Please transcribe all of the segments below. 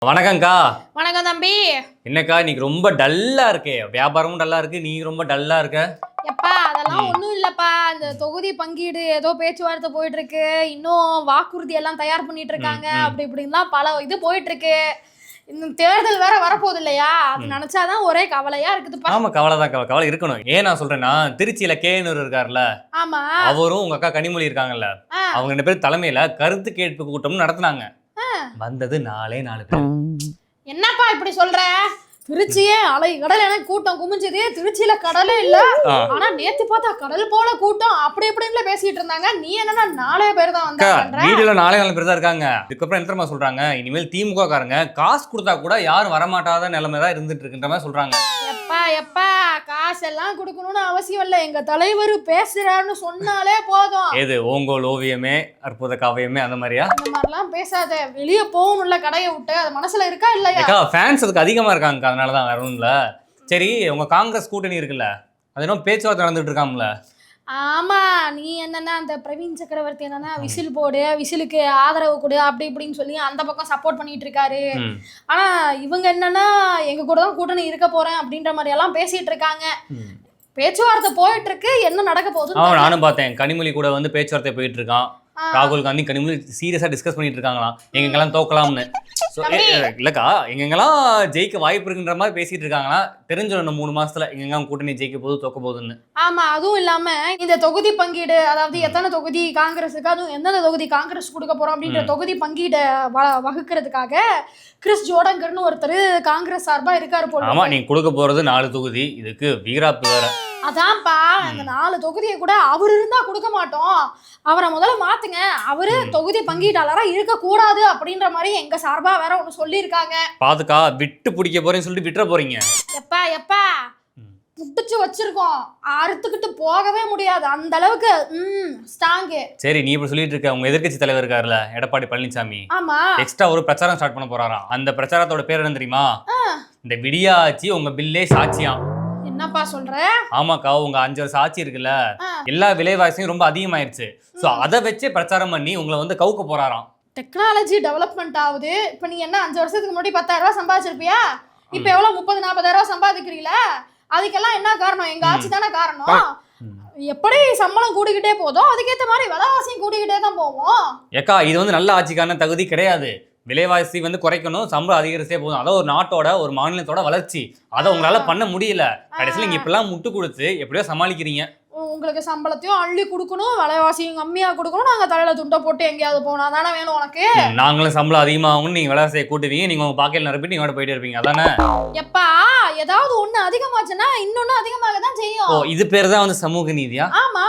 வணக்கம்க்கா. வணக்கம் தம்பி. என்னக்கா இன்னைக்கு ரொம்ப டல்லா இருக்கே, வியாபாரமும் டல்லா இருக்கு, நீ ரொம்ப டல்லா இருக்க. எப்பா அதெல்லாம் ஒன்றும் இல்லப்பா, இந்த தொகுதி பங்கீடு ஏதோ பேச்சுவார்த்தை போயிட்டு இருக்கு, இன்னும் வாக்குறுதி எல்லாம் தயார் பண்ணிட்டு இருக்காங்க, அப்படி இப்படின்லாம் பல இது போயிட்டு இருக்கு. இன்னும் தேர்தல் வேற வரப்போகுது இல்லையா, அது நினைச்சாதான் ஒரே கவலையா இருக்குதுப்பா. ஆமா, கவலைதான், கவலை இருக்கணும். ஏன் நான் சொல்றேன்னா, திருச்சியில கேனூர் இருக்காருல்ல, ஆமா, அவரும் உங்க அக்கா கனிமொழி இருக்காங்கல்ல, அவங்க 2 பேரும் தலைமையில கருத்து கேட்பு கூட்டம் நடத்தினாங்க. வந்தது 4 பேர். என்னப்பா இப்படி சொல்ற? திருச்சியே அலை கடல் என கூட்டம் குமிஞ்சது, திருச்சியில கடலே இல்ல, ஆனா நேத்து பார்த்தா கடல் போல கூட்டம், அப்படி இப்படின்னு பேசிட்டு இருந்தாங்க. நீ என்னன்னா 4 பேர் தான் வந்தாங்க. வீடுல 4 பேர் தான் இருக்காங்க. இதுக்கப்புறம் என்ன தெரியுமா சொல்றாங்க, இனிமேல் திமுக காரங்க காசு கொடுத்தா கூட யாரும் வரமாட்டாத நிலைமை தான் இருந்துட்டு இருக்குன்ற மாதிரி சொல்றாங்க. எப்பா காசெல்லாம் கொடுக்கணும்னு அவசியம் இல்ல, எங்க தலைவர் பேசுறாருன்னு சொன்னாலே போதும். ஏது ஓங்கோல் ஓவியமே அற்புத காவியமே அந்த மாதிரியா? அந்த மாதிரிலாம் பேசாத, வெளியே போகணும்ல கடையை விட்டு, அது மனசுல இருக்கா இல்லையா? ஃபேன்ஸ் அதுக்கு அதிகமா இருக்காங்க, அதனாலதான் வேற ஒண்ணும் இல்ல. சரி, உங்க காங்கிரஸ் கூட்டணி இருக்குல்ல, அது இன்னும் பேச்சுவார்த்தை நடந்துட்டு இருக்காம்ல? ஆமா, நீ என்னன்னா அந்த பிரவீன் சக்கரவர்த்தி என்னன்னா விசில் போடு, விசிலுக்கு ஆதரவு கொடு, அப்படி இப்படின்னு சொல்லி அந்த பக்கம் சப்போர்ட் பண்ணிட்டு இருக்காரு. ஆனா இவங்க என்னன்னா எங்க கூட தான் கூட்டணி இருக்க போறேன் அப்படின்ற மாதிரி எல்லாம் பேசிட்டு இருக்காங்க. பேச்சுவார்த்தை போயிட்டு இருக்கு, என்ன நடக்க போகுது? நானும் பார்த்தேன், கனிமொழி கூட வந்து பேச்சுவார்த்தை போயிட்டு இருக்கான். ராகுல் காந்தி கனிமொழி சீரியஸா டிஸ்கஸ் பண்ணிட்டு இருக்காங்களாம், எங்கெங்கெல்லாம் தோக்கலாம்னு. இல்லக்கா, எங்கெங்கெல்லாம் ஜெயிக்க வாய்ப்பு இருக்குன்ற மாதிரி பேசிட்டு இருக்காங்களா, தெரிஞ்சிடும் 3 மாசத்துல எங்கெல்லாம் கூட்டணி ஜெயிக்க போது தோக்க போகுதுன்னு. ஆமா, அதுவும் இல்லாம இந்த தொகுதி பங்கீடு, அதாவது எத்தனை தொகுதி காங்கிரஸுக்கு, அதுவும் எந்தெந்த தொகுதி காங்கிரஸ் கொடுக்க போறோம் அப்படின்ற தொகுதி பங்கீடை வகுக்கிறதுக்காக கிறிஸ் ஜோடங்கர்னு ஒருத்தர் காங்கிரஸ் சார்பா இருக்காரு போல. ஆமா, நீங்க கொடுக்க போறது 4 தொகுதி, இதுக்கு வீராப்பு வேற. அதான்ப்பா, அந்த 4 தொகுதியை கூட அவர் இருந்தா கொடுக்க மாட்டோம், அவரை முதல்ல மாத்துங்க, அவரு தொகுதி பங்கீட்டாளரா இருக்க கூடாது அப்படின்ற மாதிரி எங்க சார்பா வேற ஒண்ணு சொல்லியிருக்காங்க. பாத்துக்கா, விட்டு பிடிக்க போறேன்னு சொல்லிட்டு விட்டுற போறீங்க. எப்பா புடிச்சு வச்சிருக்கோம், அறுத்துக்கிட்டு போகவே முடியாது, அந்த அளவுக்கு ஸ்ட்ராங். சரி, நீ இப்படி சொல்லிட்டு இருக்க, உங்க எதிர்க்கட்சி தலைவர் இருக்காருல்ல எடப்பாடி பழனிசாமி, ஆமா, எக்ஸ்ட்ரா ஒரு பிரச்சாரம் ஸ்டார்ட் பண்ண போறாராம். அந்த பிரச்சாரத்தோட பேர் என்ன தெரியுமா? இந்த விடியாச்சி உங்க பில்லே சாட்சியாம். என்னப்பா சொல்ற? ஆமாக்கா, உங்க 5 வருஷம் ஆட்சி இருக்குல்ல, எல்லா விலைவாசியும் ரொம்ப அதிகமாயிருச்சு. சோ அதை வச்சு பிரச்சாரம் பண்ணி உங்களை வந்து கவுக்க போறாராம். டெக்னாலஜி டெவலப்மெண்ட் ஆகுது. இப்ப நீ என்ன 5 வருஷத்துக்கு முன்னாடி 10,000 ரூபாய் சம்பாதிச்சிருப்பியா, இப்ப எவ்வளவு 30-40,000 ரூபாய் சம்பாதிக்கிறீங்களா? அதுக்கெல்லாம் என்ன காரணம்? எங்க ஆட்சி தானே காரணம். எப்படி சம்பளம் கூடிக்கிட்டே போதோ அதுக்கேற்ற மாதிரி விலைவாசியும் கூடிக்கிட்டே தான் போவோம். ஏக்கா, இது வந்து நல்ல ஆட்சிக்கான தகுதி கிடையாது. விலைவாசி வந்து குறைக்கணும், சம்பளம் அதிகரிச்சே போதும். அதான் ஒரு நாட்டோட ஒரு மாநிலத்தோட வளர்ச்சி. அதை உங்களால பண்ண முடியல. கடைசியில் நீங்க இப்பெல்லாம் முட்டு கொடுத்து எப்படியோ சமாளிக்கிறீங்க. உங்களுக்கு சம்பளத்தையும் அள்ளி கொடுக்கணும், விலைவாசியும் கம்மியா கொடுக்கணும், நாங்க தலையில துண்டை போட்டு எங்கேயாவது போனா தானே வேணும் உனக்கு. நாங்களும் சம்பளம் அதிகமாகும், நீங்க விலைவாசியை கூட்டுவீங்க, நீங்க உங்க பாக்கெட்ல நிரப்பிட்டு நீங்க போயிட்டே இருப்பீங்க, அதானே? எப்பா, ஏதாவது ஒண்ணு அதிகமாச்சுன்னா இன்னொன்னு அதிகமாக தான் செய்யும். ஓ, இது பேர் தான் வந்து சமூக நீதியா? ஆமா,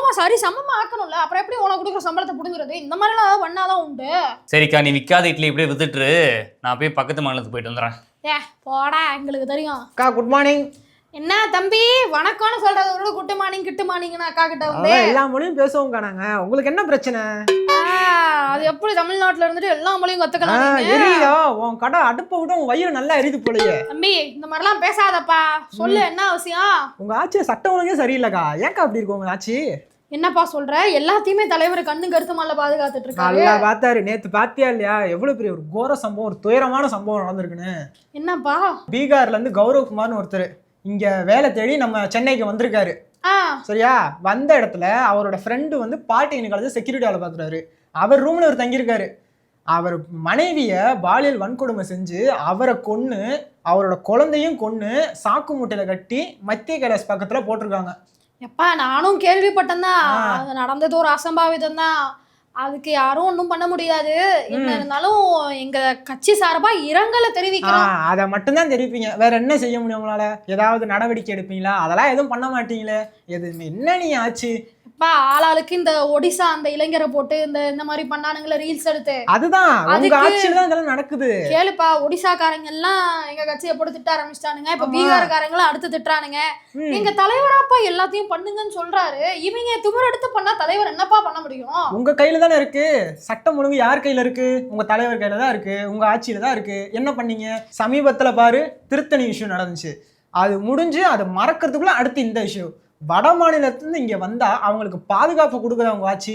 சமமா ஆக்கணும்ல, அப்புறம் எப்படி உனக்கு கொடுக்குற சம்பளத்தை புடுங்குறது? இந்த மாதிரி எல்லாம் பண்ணாதான் உண்டு. சரிக்கா, நீ விற்காத இட்லி இப்படியே வித்துட்டு நான் போய் பக்கத்து மாநிலத்துக்கு போயிட்டு வந்துடுறேன். போடா, எங்களுக்கு தெரியும். அக்கா, குட் மார்னிங். என்ன தம்பி, வணக்கம்னு சொல்றதோட குட் மார்னிங் கிட்டு மார்னிங்னு அக்கா கிட்ட வந்து எல்லா மொழியும் பேசுவோம் காணாங்க. உங்களுக்கு என்ன பிரச்சனை? அது எப்படி தமிழ்நாட்டுல இருந்துட்டு எல்லா மொழியும் கத்துக்கலாம்? எரியுதா உன் கடை அடுப்பை விட உன் வயிறு நல்லா எரியுது போலயே. தம்பி, இந்த மாதிரிலாம் பேசாதப்பா, சொல்லு என்ன அவசியம்? உங்க ஆட்சி சட்டம் ஒழுங்கே சரியில்லைக்கா. ஏன்க்கா அப்படி இருக்கும் உங்க ஆட்சி? என்னப்பா சொல்ற? எல்லாத்தையுமே தலைவர் கண்ணு கருத்துமால பாதுகாத்துட்டு இருக்காரு. நல்லா பார்த்தாரு. நேத்து பாத்தியா இல்லையா எவ்வளவு பெரிய ஒரு கோர சம்பவம், ஒரு துயரமான சம்பவம் நடந்திருக்குன்னு? என்னப்பா? பீகார்ல இருந்து கௌரவ்குமார்னு ஒருத்தர் இங்க வேலை தேடி நம்ம சென்னைக்கு வந்திருக்காரு. சரியா, வந்த இடத்துல அவரோட ஃப்ரெண்டு வந்து பாலிடெக்னிக் காலேஜ் செக்யூரிட்டி வேலை பார்க்குறாரு. அவர் ரூம்ல அவர் தங்கியிருக்காரு. அவர் மனைவிய பாலியல் வன்கொடுமை செஞ்சு அவரை கொன்னு, அவரோட குழந்தையும் கொன்னு சாக்கு மூட்டையில கட்டி மத்திய கைலாஷ் பக்கத்துல போட்டிருக்காங்க. எப்பா, நானும் கேள்விப்பட்டேன் தான், அது நடந்தது ஒரு அசம்பாவிதம் தான், அதுக்கு யாரும் ஒன்றும் பண்ண முடியாது. என்ன இருந்தாலும் எங்க கட்சி சார்பா இரங்கலை தெரிவிக்கிறோம். அதை மட்டும்தான் தெரிவிப்பீங்க, வேற என்ன செய்ய முடியும் உங்களால? ஏதாவது நடவடிக்கை எடுப்பீங்களா? அதெல்லாம் எதுவும் பண்ண மாட்டீங்களே. எதுவுமே என்ன நீ ஆச்சு? ஆளாளுக்கு இந்த ஒடிசா அந்த இளைஞரை போட்டு இந்த மாதிரி பண்ணானுங்களே ரீல்ஸ் எடுத்து, அதுதான் உங்க ஆட்சியில தான் இதெல்லாம் நடக்குது. கேளுப்பா, ஒடிசாக்காரங்க எல்லாம் எங்க கட்சியை போட்டு திட்ட ஆரம்பிச்சிட்டானுங்க. இப்ப பீகார்காரங்களும் அடுத்து திட்டுறானுங்க. எங்க தலைவராப்பா எல்லாத்தையும் பண்ணுங்கன்னு சொல்றாரு. இவங்க திமிர் எடுத்து பண்ணா தலைவர் என்னப்பா பண்ண முடியும்? உங்க கையில தானே இருக்கு. சட்டம் ஒழுங்கு யார் கையில இருக்கு? உங்க தலைவர் கையில தான் இருக்கு, உங்க ஆட்சியில தான் இருக்கு. என்ன பண்ணீங்க? சமீபத்துல பாரு, திருத்தணி இஷ்யூ நடந்துச்சு, அது முடிஞ்சு அது மறக்கிறதுக்குள்ள அடுத்து இந்த இஷ்யூ. வட மாநிலத்திலிருந்து இங்க வந்தா அவங்களுக்கு பாதுகாப்பு கொடுக்குற அவங்க ஆட்சி.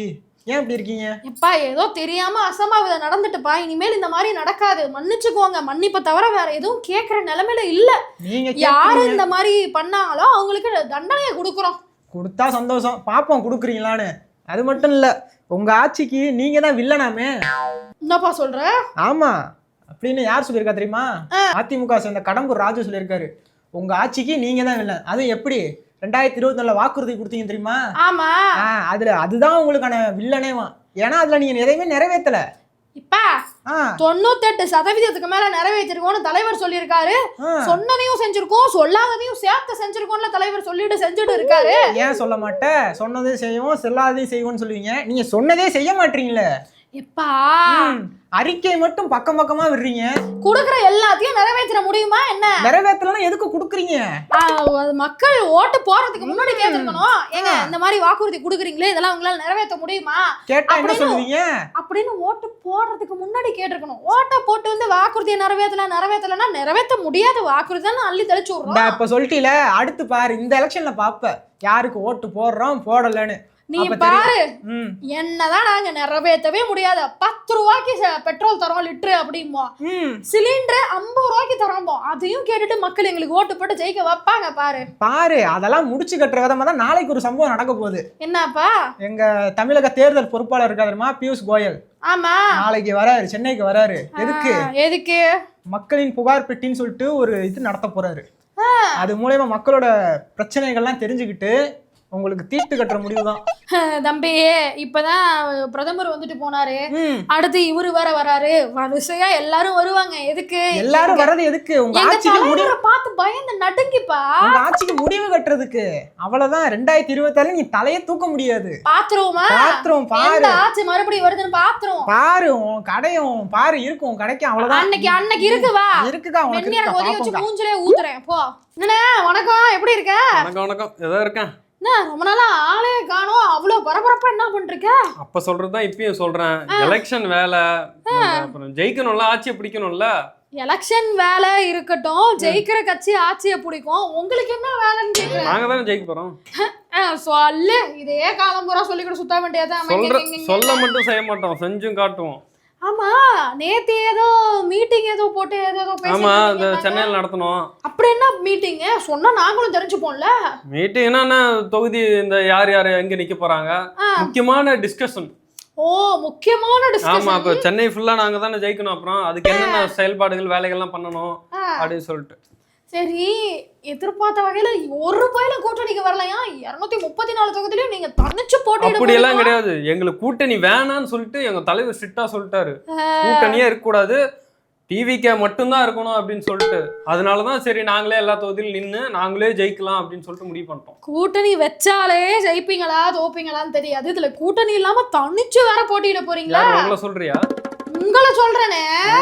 ஏன் இப்படி இருக்கீங்க? எப்பா ஏதோ தெரியாம அசம்பாவிதம் நடந்துட்டுப்பா, இனிமேல் இந்த மாதிரி நடக்காது, மன்னிச்சுக்கோங்க. மன்னிப்பை தவிர வேற எதுவும் கேட்கற நிலைமையில இல்ல. நீங்க யாரு இந்த மாதிரி பண்ணாங்களோ அவங்களுக்கு தண்டனையை கொடுக்குறோம். கொடுத்தா சந்தோஷம், பாப்போம் கொடுக்குறீங்களான்னு. அது மட்டும் இல்ல, உங்க ஆட்சிக்கு நீங்க தான் வில்லனாமே. என்னப்பா சொல்ற? ஆமா, அப்படின்னு யார் சொல்லியிருக்கா தெரியுமா? அதிமுக சேர்ந்த கடம்பூர் ராஜு சொல்லியிருக்காரு, உங்க ஆட்சிக்கு நீங்க தான் வில்லன். அதுவும் எப்படி 2024 வாக்குறுதி கொடுத்தீங்க தெரியுமா? ஆமா, அதுதான் உங்களுக்கான வில்லனேவா. ஏன்னா அதுல நீங்க எதையுமே நிறைவேற்றல. இப்ப 98% மேல நிறைவேற்றிருக்கோம்னு தலைவர் சொல்லியிருக்காரு. சொன்னதையும் செஞ்சிருக்கோம், சொல்லாததையும் சேர்த்து செஞ்சிருக்கோம்ல தலைவர் செஞ்சுட்டு இருக்காரு. ஏன் சொல்ல மாட்டேன்? சொன்னதையும் செய்வோம், சொல்லாததையும் செய்வோம்னு சொல்லுவீங்க, நீங்க சொன்னதே செய்ய மாட்டீங்களே. எப்பா அறிக்கை மட்டும் பக்கம் பக்கமா விடுறீங்க. குடுக்குற எல்லாத்தையும் நிறைவேற்ற முடியுமா என்ன? நிறைவேற்றலன்னா எதுக்கு குடுக்குறீங்க? மக்கள் ஓட்டு போறதுக்கு முன்னாடி கேட்டிருக்கணும், ஏங்க இந்த மாதிரி வாக்குறுதி குடுக்குறீங்களே, இதெல்லாம் உங்களால நிறைவேற்ற முடியுமா கேட்டா என்ன சொல்லுவீங்க அப்படின்னு ஓட்டு போடுறதுக்கு முன்னாடி கேட்டிருக்கணும். ஓட்டை போட்டு வந்து வாக்குறுதியை நிறைவேற்றலன்னா நிறைவேற்ற முடியாத வாக்குறுதி தான் அள்ளி தெளிச்சு விடுறோம். இப்ப சொல்லிட்டீல, அடுத்து பாரு இந்த எலெக்ஷன்ல பாப்ப யாருக்கு ஓட்டு போடுறோம் போடலன்னு. நீ பாரு, என்னதான் நாங்க நிறைவேற்றவே முடியாது. 10 ரூபாய்க்கு பெட்ரோல் தரோம் லிட்டரு அப்படிமோ, சிலிண்டர் 50 ரூபாய்க்கு தரோமோ, அதையும் கேட்டுட்டு மக்கள் எங்களுக்கு ஓட்டு போட்டு ஜெயிக்க வைப்பாங்க. பாரு அதெல்லாம் முடிச்சு கட்டுற விதமா தான் நாளைக்கு ஒரு சம்பவம் நடக்க போகுது. என்னப்பா? எங்க தமிழக தேர்தல் பொறுப்பாளர் இருக்காருமா, பியூஷ் கோயல். ஆமா, நாளைக்கு வராரு, சென்னைக்கு வராரு. எதுக்கு? மக்களின் புகார் பெட்டின்னு சொல்லிட்டு ஒரு இது நடத்த போறாரு. அது மூலமா மக்களோட பிரச்சனைகள்லாம் தெரிஞ்சுக்கிட்டு உங்களுக்கு தீர்த்து கட்டுற முடிவுதான். தம்பி, இப்பதான் பிரதமர் வந்துட்டு போனாரு, அடுத்து இவரு வேற வராரு, வரிசையா எல்லாரும் வருவாங்க. எதுக்கு எல்லாரும் வர்றது? எதுக்கு? உங்க ஆட்சிக்கு முடிவு பார்த்து பயந்து நடுங்கிப்பா. உங்க ஆட்சிக்கு முடிவு கட்டுறதுக்கு. அவ்வளவுதான். 2024 நீ தலையே தூக்க முடியாது. பாத்துருவோமா? பாத்துருவோம். பாரு, ஆட்சி மறுபடியும் வருதுன்னு பாத்துருவோம். பாரு, உன் கடையும் பாரு இருக்கும், கிடைக்கும். அவ்வளவுதான். அன்னைக்கு இருக்குவா? இருக்குதா? உனக்கு மூஞ்சிலே ஊத்துறேன் போ. என்ன வணக்கம், எப்படி இருக்க? வணக்கம். ஏதோ இருக்கேன். ரொம்ப நாளா ஆளே காணோம், அவ்வளவு பரபரப்பா என்ன பண்றீங்க? அப்ப சொல்றதுதான் இப்பயும் சொல்றேன். எலெக்ஷன் வேலை, அப்புறம் ஜெயிக்கணும்ல, ஆட்சியை பிடிக்கணும்ல. எலெக்ஷன் வேலை இருக்கட்டும், ஜெயிக்கிற கட்சி ஆட்சியை பிடிக்கும், உங்களுக்கு என்ன வேலைன்னு கேக்குறேன். நாங்க தானே ஜெயிக்க போறோம். சொல்லு, இதே காலம் பூரா சொல்லிக்கிட்டு சுத்த வேண்டியதான். சொல்ல மட்டும் செய்ய மாட்டோம், செஞ்சும் காட்டுவோம். ஆமா, நேத்து ஏதோ மீட்டிங் ஏதோ போட்டு ஏதோ ஆமா, இந்த சென்னையில நடத்தணும். அப்படி என்ன மீட்டிங் சொன்னா நாங்களும் தெரிஞ்சுப்போம்ல. மீட்டிங் என்னன்னா தொகுதி, இந்த யார் எங்க நிக்க போறாங்க, முக்கியமான டிஸ்கஷன். ஓ, முக்கியமான டிஸ்கஷன். ஆமா, அப்ப சென்னை ஃபுல்லா நாங்க தானே ஜெயிக்கணும். அப்புறம் அதுக்கு என்னென்ன செயல்பாடுகள் வேலைகள்லாம் பண்ணணும் அப்படின்னு சொல்லிட்டு. சரி, எதிர்பார்த்த வகையில ஒரு பயில கூட்டணிக்கு வரலையா? 234 தொகுதியிலும் நீங்க தனிச்சு போட்டு. அப்படி எல்லாம் கிடையாது, எங்களுக்கு கூட்டணி வேணான்னு சொல்லிட்டு எங்க தலைவர் ஸ்ட்ரிக்டா சொல்லிட்டாரு. கூட்டணியே இருக்க கூடாது, டிவிக்கே மட்டும்தான் இருக்கணும் அப்படின்னு சொல்லிட்டு. அதனாலதான் சரி நாங்களே எல்லா தொகுதியிலும் நின்று நாங்களே ஜெயிக்கலாம் அப்படின்னு சொல்லிட்டு முடிவு பண்ணிட்டோம். கூட்டணி வச்சாலே ஜெயிப்பீங்களா தோப்பீங்களான்னு தெரியாது, இதுல கூட்டணி இல்லாம தனிச்சு வேற போட்டியிட போறீங்களா? உங்களை சொல்றியா? உங்களை சொல்றேனே,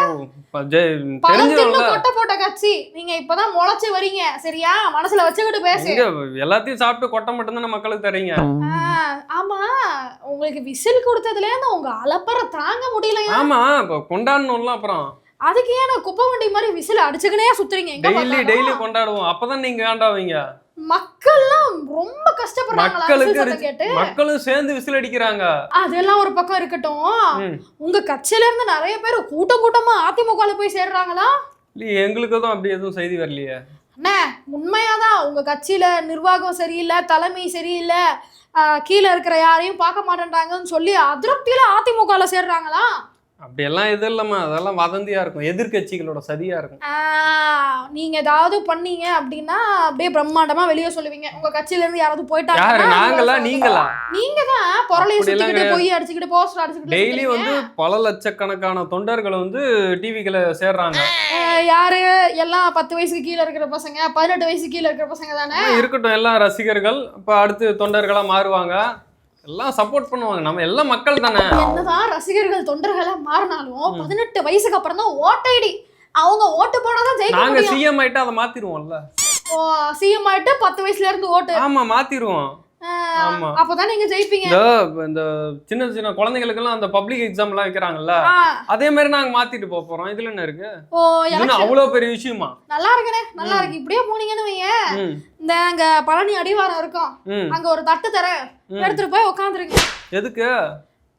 கொட்டை போட்ட கட்சி நீங்க இப்பதான் முளைச்சு வரீங்க, சரியா? மனசுல வச்சுக்கிட்டு பேசு. எல்லாத்தையும் சாப்பிட்டு கொட்டை மட்டும் தானே மக்களுக்கு தரீங்க. ஆமா, உங்களுக்கு விசில் கொடுத்ததுல இருந்து உங்க அலப்பற தாங்க முடியலையா? ஆமா, இப்ப கொண்டாடணும்ல. அப்புறம் அதுக்கு ஏன் குப்பை வண்டி மாதிரி விசில் அடிச்சுக்கினே சுத்துறீங்க? டெய்லி கொண்டாடுவோம், அப்பதான் நீங்க காண்டாவீங்க. மக்கள்லாம் ரொம்ப கஷ்டப்படுறாங்க, மக்களும் சேர்ந்து விசில் அடிக்கிறாங்க. அதெல்லாம் ஒரு பக்கம் இருக்கட்டும், உங்க கட்சியில இருந்து நிறைய பேர் கூட்டமா அதிமுகல போய் சேர்றாங்களா? இல்ல, எங்களுக்கு தான் அப்படி எதுவும் செய்தி வரலையே. அண்ணே, உண்மையாதான் உங்க கட்சியில நிர்வாகம் சரியில்லை, தலைமை சரியில்லை, கீழே இருக்கிற யாரையும் பார்க்க மாட்டேன்றாங்கன்னு சொல்லி அதிருப்தியில அதிமுகல சேர்றாங்களா? அப்படியெல்லாம் எதுவும் இல்லம்மா, அதெல்லாம் வதந்தியா இருக்கும், எதிர்கட்சிகளோட சதியா இருக்கும். நீங்க ஏதாவது பண்ணீங்க அப்படின்னா அப்படியே பிரம்மாண்டமா வெளியே சொல்லுவீங்க. உங்க கட்சியில இருந்து யாராவது போயிட்டாங்க, நாங்களா நீங்களா? நீங்க தான் பொருளை சுத்திக்கிட்டு போய் அடிச்சுக்கிட்டு போஸ்டர் அடிச்சுக்கிட்டு டெய்லி வந்து பல லட்சக்கணக்கான தொண்டர்கள் வந்து டிவிக்குள்ள சேர்றாங்க. யாரு? எல்லாம் 10 வயசுக்கு கீழே இருக்கிற பசங்க, 18 வயசுக்கு கீழே இருக்கிற பசங்க தானே? இருக்கட்டும், எல்லாம் ரசிகர்கள். இப்ப அடுத்து தொண்டர்களா மாறுவாங்க, எல்லாம் சப்போர்ட் பண்ணுவாங்க. நம்ம எல்லாம் மக்கள் தானே. என்னதான் ரசிகர்கள் தொண்டர்களா மாறினாலும் 18 வயசுக்கு அப்புறம் தான் ஓட்டைடி. அவங்க ஓட்டு போடாதான் ஜெயிக்க முடியும். நாங்க சிஎம் ஆயிட்டு அதை மாத்திருவோம்ல. ஓ, சிஎம் ஆயிட்டு 10 வயசுல இருந்து ஓட்டு. ஆமா, மாத்திருவோம். ஆமா, அப்பதான் நீங்க ஜெயிப்பீங்க. இந்த சின்ன சின்ன குழந்தைகளுக்கு எல்லாம் அந்த பப்ளிக் எக்ஸாம் எல்லாம் வைக்கிறாங்கல்ல, அதே மாதிரி நாங்க மாத்திட்டு போறோம். இதுல என்ன இருக்கு? அவ்வளவு பெரிய விஷயமா? நல்லா இருக்குனே, நல்லா இருக்கு. இப்படியே போனீங்கன்னு வையேன், இந்த அங்க பழனி அடிவாரம் இருக்கும், அங்க ஒரு தட்டு தரேன், எடுத்துட்டு போய் உட்காந்துருங்க. எதுக்கு?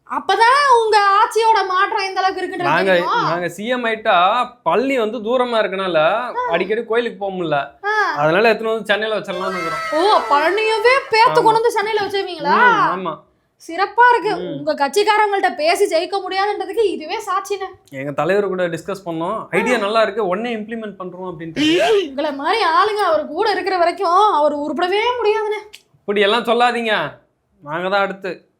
அப்பதான் உங்க ஆட்சியோட மாற்றம் எந்த அளவுக்கு இருக்குன்றது நாங்க சிஎம் ஆயிட்டா பள்ளி வந்து தூரமா இருக்கனால அடிக்கடி கோயிலுக்கு போக முடியல, அதனால எத்தனை வந்து சென்னையில வச்சிடலாம்னு இருக்கிறோம். ஓ, பழனியவே பேத்து கொண்டு வந்து சென்னையில வச்சிருவீங்களா? ஆமா, சிறப்பா இருக்கு. உங்க கட்சிக்காரங்கள்ட்ட பேசி ஜெயிக்க முடியாதுன்றதுக்கு இதுவே சாட்சினே. எங்க தலைவர் கூட டிஸ்கஸ் பண்ணோம், ஐடியா நல்லா இருக்கு, உடனே இம்ப்ளிமெண்ட் பண்றோம் அப்படின்ட்டு. உங்களை மாதிரி ஆளுங்க அவர் கூட இருக்கிற வரைக்கும் அவர் உருப்படவே முடியாதுன்னு. இப்படி எல்லாம் சொல்லாதீங்க, நாங்க தான் அடுத்து.